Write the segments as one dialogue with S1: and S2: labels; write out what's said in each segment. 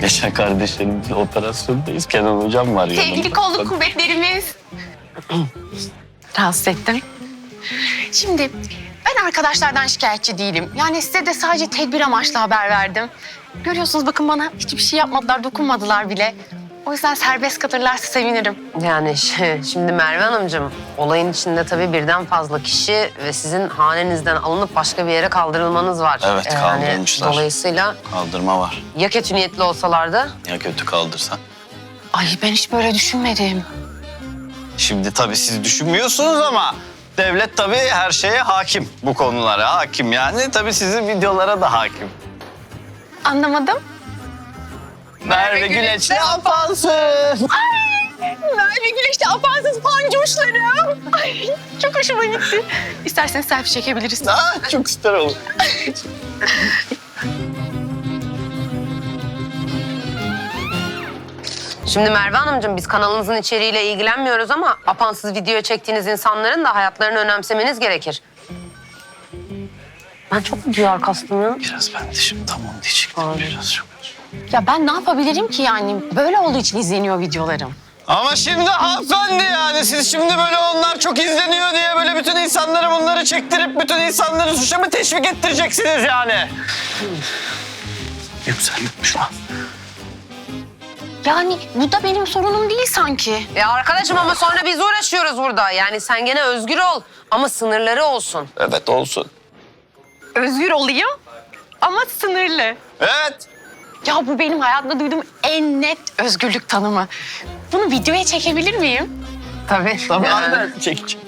S1: Geçen kardeşlerimizle operasyondayız. Kenan hocam var yanımda.
S2: Sevgili kolluk kuvvetlerimiz. Rahatsız ettim. Şimdi ben arkadaşlardan şikayetçi değilim. Yani size de sadece tedbir amaçlı haber verdim. Görüyorsunuz bakın bana hiçbir şey yapmadılar, dokunmadılar bile. O yüzden serbest kalırlarsa sevinirim.
S3: Yani şimdi Merve Hanımcığım, olayın içinde tabii birden fazla kişi ve sizin hanenizden alınıp başka bir yere kaldırılmanız var.
S1: Evet, kaldırmışlar.
S3: Dolayısıyla
S1: Kaldırma var.
S3: ya kötü niyetli olsalardı?
S1: Ya kötü kaldırsan?
S2: Ay ben hiç böyle düşünmedim.
S1: Şimdi tabii siz düşünmüyorsunuz ama devlet tabii her şeye hakim. Bu konulara hakim yani. Tabii sizin videolara da hakim.
S2: Anlamadım.
S1: Merve Güleç ne yaparsın?
S2: Merve Güneş'te apansız pancoşlarım. Ay çok hoşuma gitti. İsterseniz selfie çekebiliriz.
S1: Çok süper olur.
S3: Şimdi Merve Hanımcığım, biz kanalınızın içeriğiyle ilgilenmiyoruz ama apansız video çektiğiniz insanların da hayatlarını önemsemeniz gerekir. Ben çok mu duyar kastım?
S1: Biraz ben de şimdi tam onu diyecektim.
S3: Abi.
S1: Biraz çok.
S2: Ya ben ne yapabilirim ki yani? Böyle olduğu için izleniyor videolarım.
S1: Ama şimdi hanımefendi yani siz şimdi böyle onlar çok izleniyor diye böyle bütün insanları bunları çektirip bütün insanları suça mı teşvik ettireceksiniz yani? Yükselmiş lan.
S2: Yani bu da benim sorunum değil sanki.
S3: Ya arkadaşım ama sonra biz uğraşıyoruz burada. Yani sen gene özgür ol ama sınırları olsun.
S1: Evet olsun.
S2: Özgür olayım ama sınırlı.
S1: Evet.
S2: Ya bu benim hayatımda duyduğum en net özgürlük tanımı. Bunu videoya çekebilir miyim?
S3: Tabii.
S1: Tabii
S3: Yani.
S1: aynen çekeceğim.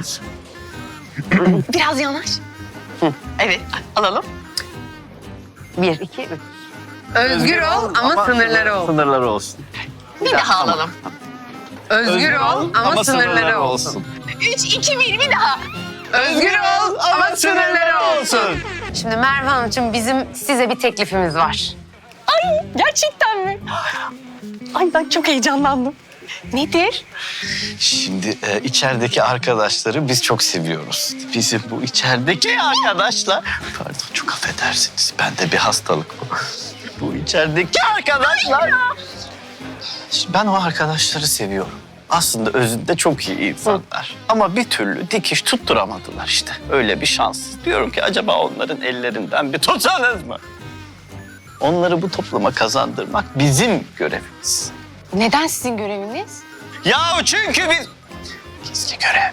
S2: Biraz yanaş. Evet, alalım.
S3: 1, 2, 3. Özgür ol ama sınırları ol.
S1: Sınırları olsun.
S2: Bir daha alalım.
S3: Özgür ol ama sınırları olsun.
S2: 3, 2, 1, bir daha.
S3: Özgür ol ama sınırları olsun. Şimdi Merve Hanımcığım, bizim size bir teklifimiz var.
S2: Ay gerçekten mi? Ay ben çok heyecanlandım. Nedir?
S1: Şimdi içerideki arkadaşları biz çok seviyoruz. Bizim bu içerideki arkadaşlar... Pardon çok affedersiniz. Bende bir hastalık bu. Bu içerideki arkadaşlar... Şimdi ben o arkadaşları seviyorum. Aslında özünde çok iyi insanlar. Ama bir türlü dikiş tutturamadılar işte. Öyle bir şans. Diyorum ki acaba onların ellerinden bir tutsanız mı? Onları bu topluma kazandırmak bizim görevimiz.
S2: Neden sizin göreviniz?
S1: Ya çünkü biz... Gizli görev.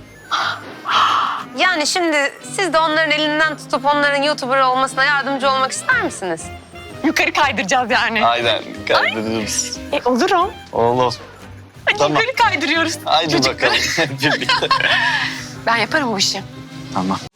S3: Yani şimdi siz de onların elinden tutup onların YouTuber olmasına yardımcı olmak ister misiniz?
S2: Yukarı kaydıracağız yani.
S1: Aynen kaydırırız.
S2: Olurum.
S1: Oğlum.
S2: Hadi
S1: Tamam.
S2: yukarı kaydırıyoruz.
S1: Haydi
S2: Çocuklar.
S1: bakalım hep birlikte.
S2: Ben yaparım bu işi.
S1: Tamam.